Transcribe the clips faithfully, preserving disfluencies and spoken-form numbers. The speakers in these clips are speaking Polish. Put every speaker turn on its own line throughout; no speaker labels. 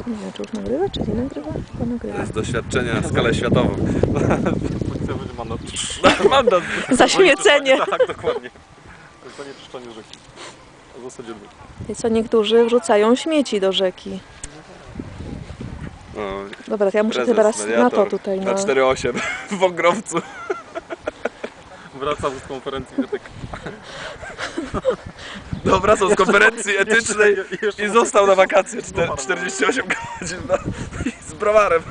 Nie wiem, czy już nagrywa, czy nie nagrywa? Chyba nagrywa.
To jest doświadczenie na skalę światową.
Policja będzie mandat.
Mandat.
Zaśmiecenie.
Tak, dokładnie.
To jest zanieczyszczenie rzeki. W zasadzie dwóch.
I co niektórzy wrzucają śmieci do rzeki.
No,
Dobra, to ja muszę
prezes,
teraz na to
mediator,
tutaj.
Na
Na...
cztery osiem w Wągrowcu.
Wracam z konferencji etyki.
No, wracał z konferencji etycznej
Jeszcze- jeszcze-
i został na wakacje czter- czterdzieści osiem godzin no, i z browarem.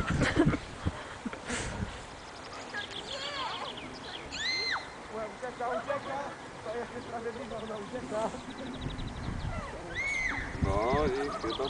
No i chyba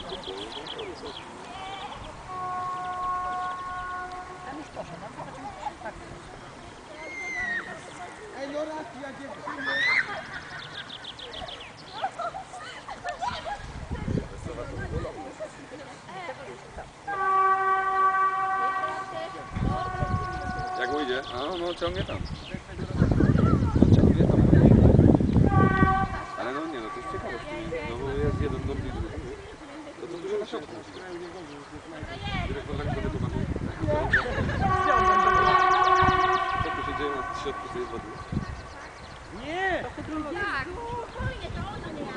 jak ujdzie? A no ciągnie tam. No ciągnie tam. Ale no nie no, to jest ciekawe, no bo jest jeden dom i drugi. To co dużo na środku. Dyrektor tak to wytłumaczył. Co tu się dzieje na środku tej wody?
Nie! Tak, spokojnie, to ona nie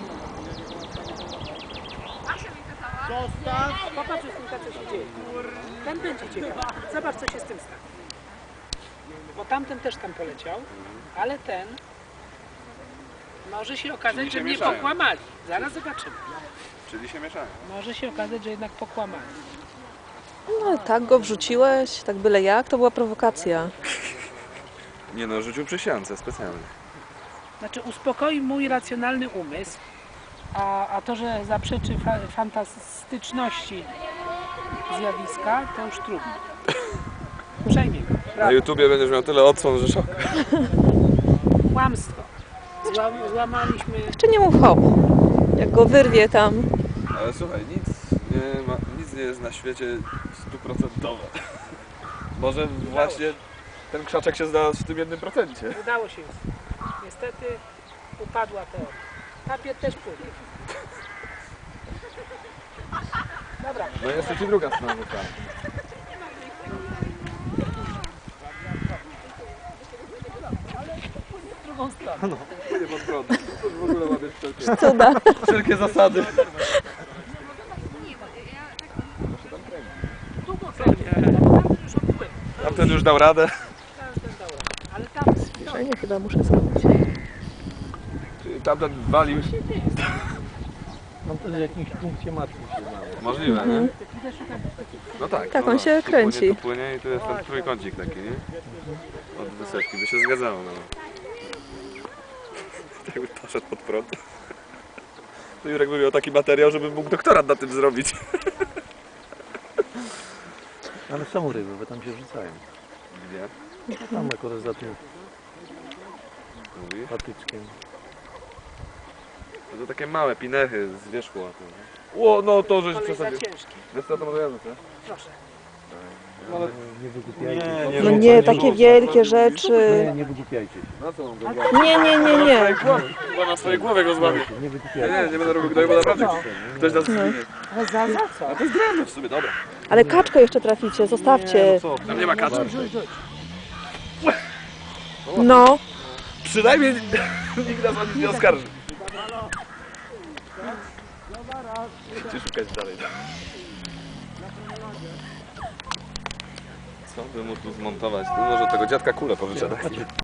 Asia mi kazała.
Zostaw! Popatrz, Justynka, co się dzieje. Ten będzie ciekawy. Zobacz, co się z tym stało. Bo tamten też tam poleciał, ale ten może się okazać,
Czyli się
że mnie
mieszają.
pokłamali. Zaraz zobaczymy.
Czyli się mieszają.
Może się okazać, że jednak pokłamali.
No, tak go wrzuciłeś, tak byle jak, to była prowokacja.
Nie no, rzucił przy siance specjalnie.
Znaczy uspokoi mój racjonalny umysł, a, a to, że zaprzeczy fa fantastyczności zjawiska, to już trudno. Przejmie go.
Na
Prawda.
YouTubie będziesz miał tyle odsłon, że szok.
Kłamstwo. Zła złamaliśmy...
Jeszcze nie mów hop. Jak go wyrwie tam.
Ale słuchaj, nic nie, ma, nic nie jest na świecie stuprocentowe. Może właśnie ten krzaczek się znalazł w tym jednym procencie.
Udało się już. Niestety upadła teoria. Papier też płynie. Dobra.
No jest jeszcze druga strona. Tak.
Drugą stronę.
No, płynie pod prąd. To w ogóle łapiesz wszelkie,
Cuda.
wszelkie zasady.
Długo kręci. Tamten już odpływa.
Tamten już dał radę.
Tamten dał radę. Ale tam...
Zbliżenie chyba muszę zrobić.
Tamten walił.
Mam też w jakimś punkcie matki się znaleźć.
Możliwe, nie? No tak.
Tak,
no,
on się
tu
kręci.
Płynie, tu płynie i tu jest ten trójkącik taki, nie? Od wysepki, by się zgadzało, no. Jakby poszedł pod prąd. To Jurek by miał taki materiał, żeby mógł doktorat na tym zrobić.
Ale są ryby, bo tam się wrzucają.
Gdzie?
Tam akurat za tym
Mówi?
patyczkiem.
No to takie małe pinechy z wierzchu łapy. Ło, no to żeś
Kolej za
przesadził.
ciężki.
Wiesz co, to może ja rzucę?
Proszę.
Ale nie wygłupiajcie się.
Nie,
No
rzucaj,
nie, takie
rzucaj.
wielkie rzeczy.
Nie, nie wygłupiajcie się.
Na co mam go?
Nie, nie, nie, nie.
Chyba na swojej głowie go złamie.
Nie
Nie,
wygłupiajcie
nie, nie będę robił gnoju, bo naprawdę ktoś nas zginie.
Ale za, za co?
A to jest drewno w sumie, dobra.
Ale kaczkę jeszcze traficie, zostawcie.
Co? Tam nie ma kaczki.
No.
Przynajmniej nikt nas o nic nie oskarży. Gdzie szukać dalej? Co by mu tu zmontować? Tu może tego dziadka kulę powyciągać.